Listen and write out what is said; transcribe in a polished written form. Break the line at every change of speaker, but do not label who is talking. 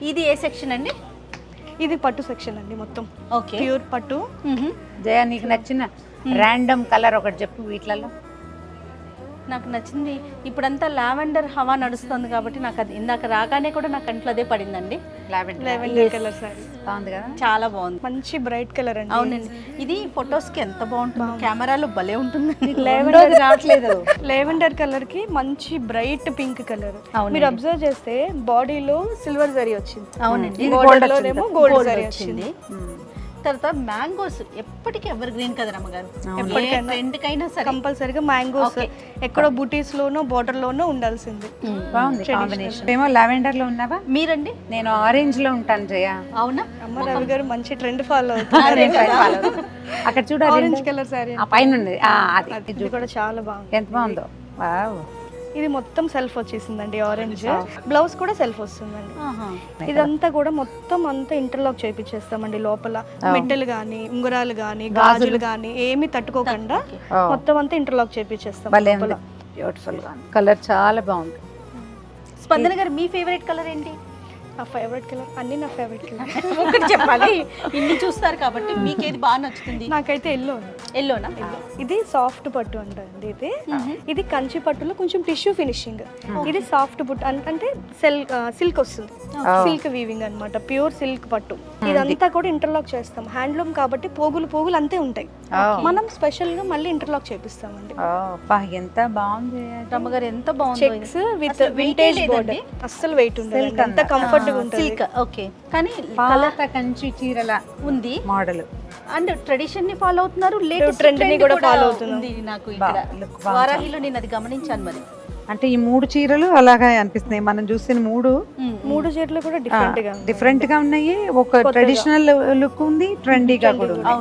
ఇది ఏ సెక్షన్ అండి?
ఇది పట్టు సెక్షన్ అండి, మొత్తం
ఓకే.
ప్యూర్ పట్టు.
జయ నీకు నచ్చిన ర్యాండమ్ కలర్ ఒకటి చెప్పు వీటిలలో.
నాకు నచ్చింది ఇప్పుడంతా లావెండర్ హవా నడుస్తుంది కాబట్టి నాకు అది ఇందాక రాగానే కూడా నా కంట్లో అదే పడిందండి.
లెవెండర్ కలర్ సారీ
బాగుంది కదా,
చాలా బాగుంది,
మంచి బ్రైట్ కలర్ అండి.
అవునండి. ఇది ఫొటోస్ కి ఎంత బాగుంటుంది, కెమెరాలో భలే ఉంటుంది.
లెవెండర్
రావట్లేదు.
లెవెండర్ కలర్ కి మంచి బ్రైట్ పింక్ కలర్. మీరు అబ్జర్వ్ చేస్తే బాడీలో సిల్వర్ జరీ వచ్చింది.
అవునండి,
బోర్డర్ లోనేమో గోల్డ్ జరీ వచ్చింది.
తర్వాత మ్యాంగోస్ ఎప్పటికీ ఎవర్ గ్రీన్ కదా రమ్మగారు, ఎప్పటికైనా ట్రెండ్కైనా సరే
కంపల్సరీగా మ్యాంగోస్ ఎక్కడో బూటీస్ లోనో బోర్డర్ లోనో ఉండాల్సింది.
బాగుంది కాంబినేషన్. ఏమో లావెండర్ లో ఉన్నావా?
మీరండి?
నేను ఆరెంజ్ లో ఉంటాను జయ.
అవునా?
అమ్మ రవి గారు మంచి ట్రెండ్ ఫాలో అవుతుంది.
అక్కడ చూడాలి,
ఆరెంజ్ కలర్ సారీ
ఆ పైన ఉంది. అది
ఇది కూడా చాలా బాగుంది.
ఎంత బాగుందో. వావ్,
ఇది మొత్తం సెల్ఫ్ వచ్చేసిందండి, ఆరెంజ్ బ్లౌజ్ కూడా సెల్ఫ్ వస్తుందండి.
ఆహా.
ఇదంతా కూడా మొత్తం అంతా ఇంటర్లాక్ చేపించేస్తామండి. లోపల మెట్టలు గానీ ఉంగరాలు గానీ గాజులు గానీ ఏమి తట్టుకోకుండా మొత్తం అంతా ఇంటర్లాక్ చేపించేస్తాం.
భలే ఉంది, బ్యూటిఫుల్ గా కలర్ చాలా బాగుంది.
స్పందన గారు మీ ఫేవరెట్ కలర్ ఏంటి?
నా ఫేవరెట్ కలర్ అన్ని నా ఫేవరెట్ కలర్.
ఒకటి చెప్పాలి, ఇన్ని చూస్తారు కాబట్టి మీకు ఏది బాగా నచ్చుతుంది?
నాకైతే ఎల్లో.
ఎల్లోనా?
ఇది సాఫ్ట్ పట్టు అంటండి. ఇది కంచి పట్టులో కొంచెం టిష్యూ ఫినిషింగ్. ఇది సాఫ్ట్ పట్టు అంటే సిల్క్ వస్తుంది, సిల్క్ వీవింగ్ అన్నమాట, ప్యూర్ సిల్క్ పట్టు. ఇదంతా కూడా ఇంటర్లాక్ చేస్తాం. హ్యాండ్లూమ్ కాబట్టి పోగులు పోగులు అంతే ఉంటాయి. మనం స్పెషల్ గా మళ్ళీ ఇంటర్లాక్ చేపిస్తామండి.
ఎంత బాగుంది
రమ్మగారు, ఎంత బాగుంది.
చెక్స్ విత్ వింటేజ్ బోర్డర్, అస్సలు వెయిట్ ఉండదు, ఎంత కంఫర్ట్ గా ఉంటుంది.
సిల్క్ ఓకే, కానీ
పాత కంచి చీరల
ఉంది
మోడల్.
అండ్ ట్రెడిషన్ ని ఫాలో అవుతున్నారు, లేటెస్ట్
ట్రెండ్ ని కూడా ఫాలో అవుతున్నారు.
నాకు ఇక్కడ వారాహిలో నేను అది గమనించాను. మరి
అంటే ఈ 3 చీరలు అలాగా అనిపిస్తున్నాయి. మనం చూసిన
3 చీరలు కూడా డిఫరెంట్ గా
ఉన్నాయి. ఒక ట్రెడిషనల్ లుక్ ఉంది, ట్రెండీగా కూడా ఉంది.